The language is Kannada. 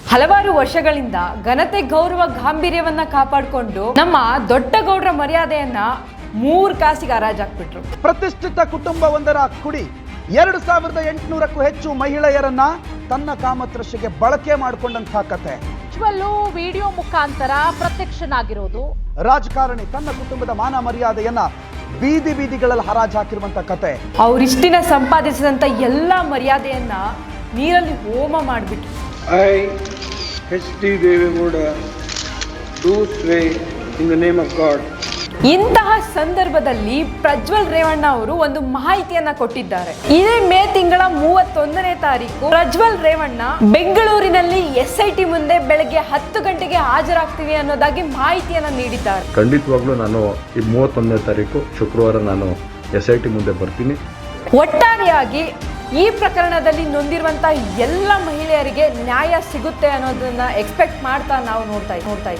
ಹಲವಾರು ವರ್ಷಗಳಿಂದ ಘನತೆ ಗೌರವ ಗಾಂಭೀರ್ಯವನ್ನ ಕಾಪಾಡಿಕೊಂಡು ನಮ್ಮ ದೊಡ್ಡ ಗೌಡ್ರ ಮರ್ಯಾದೆಯನ್ನ 3 ಕಾಸಿಗೆ ಹರಾಜಾಕ್ಬಿಟ್ರು. ಪ್ರತಿಷ್ಠಿತ ಕುಟುಂಬವೊಂದರ ಕುಡಿ 2800ಕ್ಕೂ ಹೆಚ್ಚು ಮಹಿಳೆಯರನ್ನ ತನ್ನ ಕಾಮತೃಷೆಗೆ ಬಳಕೆ ಮಾಡಿಕೊಂಡಂತಹ ಕತೆ. ವಿಡಿಯೋ ಮುಖಾಂತರ ಪ್ರತ್ಯಕ್ಷನಾಗಿರೋದು. ರಾಜಕಾರಣಿ ತನ್ನ ಕುಟುಂಬದ ಮಾನ ಮರ್ಯಾದೆಯನ್ನ ಬೀದಿ ಬೀದಿಗಳಲ್ಲಿ ಹರಾಜು ಹಾಕಿರುವಂತ ಕತೆ. ಅವರಿಷ್ಟಿನ ಸಂಪಾದಿಸಿದಂತ ಎಲ್ಲ ಮರ್ಯಾದೆಯನ್ನ ನೀರಲ್ಲಿ ಹೋಮ ಮಾಡಿಬಿಟ್ರು. I, H.D. Devegowda, do swear in the name of God. ಇಂತಹ ಸಂದರ್ಭದಲ್ಲಿ ಪ್ರಜ್ವಲ್ ರೇವಣ್ಣ ಅವರು ಒಂದು ಮಾಹಿತಿಯನ್ನ ಕೊಟ್ಟಿದ್ದಾರೆ. ಇದೇ ಮೇ ತಿಂಗಳ 31ನೇ ತಾರೀಕು ಪ್ರಜ್ವಲ್ ರೇವಣ್ಣ ಬೆಂಗಳೂರಿನಲ್ಲಿ SIT ಮುಂದೆ ಬೆಳಗ್ಗೆ 10 ಗಂಟೆಗೆ ಹಾಜರಾಗ್ತೀವಿ ಅನ್ನೋದಾಗಿ ಮಾಹಿತಿಯನ್ನ ನೀಡಿದ್ದಾರೆ. ಖಂಡಿತವಾಗ್ಲೂ ನಾನು ಈ 31ನೇ ತಾರೀಕು ಶುಕ್ರವಾರ ನಾನು SIT ಮುಂದೆ ಬರ್ತೀನಿ. ಒಟ್ಟಾರೆಯಾಗಿ ಈ ಪ್ರಕರಣದಲ್ಲಿ ನೊಂದಿರುವಂತಹ ಎಲ್ಲ ಮಹಿಳೆಯರಿಗೆ ನ್ಯಾಯ ಸಿಗುತ್ತೆ ಅನ್ನೋದನ್ನ ಎಕ್ಸ್ಪೆಕ್ಟ್ ಮಾಡ್ತಾ ನಾವು ನೋಡ್ತಾ ಇದ್ದೀವಿ.